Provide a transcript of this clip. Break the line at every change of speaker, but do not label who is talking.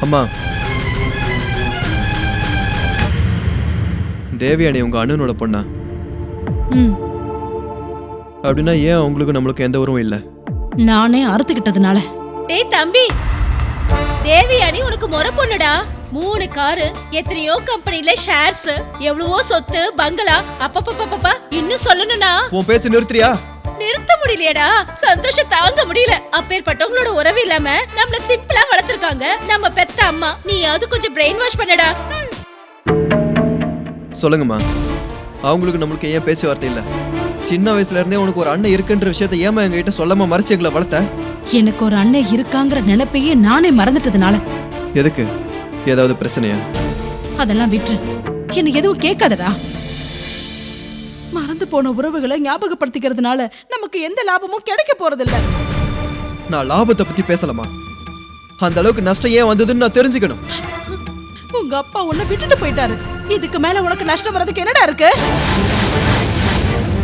அம்மா, தேவயானி உங்க அண்ணனோட பொண்ணா? அப்படின்னா ஏன் அவங்களுக்கு நம்மளுக்கு எந்த உறவும் இல்ல?
நானே அறுத்துக்கிட்டதுனால.
டேய் தம்பி, தேவயானி உனக்கு முறை பொண்ணுடா. 3 காரு, எத்தனையோ கம்பெனில ஷேர்ஸ், எவ்வளவோ சொத்து, பங்களா. அப்பப்பப்பப்பா இன்னும் சொல்லணும்னா
உன் பேச்சு நிறுத்துறியா?
நிறுத்த முடியலையடா. சந்தோஷம் தாங்க முடியல. அப்பேற்பட்டவங்களோட உறவு இல்லாம நம்மள சிம்பிளா வளர்த்திருக்காங்க நம்ம பெத்த அம்மா. நீ அது கொஞ்சம் பிரெயின் வாஷ் பண்ணடா.
சொல்லுங்கம்மா, அவங்களுக்கு நம்மளுக்கு ஏன் பேச்சுவார்த்தை இல்ல? சின்ன வயசுல இருந்தே உனக்கு ஒரு அண்ணன் இருக்குன்ற விஷயத்தை ஏமா எங்ககிட்ட சொல்லாம மறைச்சு எங்களை வளர்த்த?
எனக்கு ஒரு அண்ணன் இருக்காங்கிற நினைப்பையே நானே மறந்துட்டதுனால.
எதுக்கு? ஏதாவது பிரச்சனையா?
அதெல்லாம் விட்டு என்ன எதுவும் கேட்காதடா. மறந்து போன உறவுகளை ஞாபகப்படுத்திக்கிறதுனால நமக்கு எந்த லாபமும் கிடைக்க போறதில்ல.
நான் லாபத்தை பத்தி பேசலாமா? அந்த அளவுக்கு நஷ்டம் ஏன் வந்ததுன்னு நான் தெரிஞ்சுக்கணும்.
உங்க அப்பா உன்னை விட்டுட்டு போயிட்டாரு. இதுக்கு மேல உனக்கு நஷ்டம் வர்றதுக்கு என்னடா இருக்கு?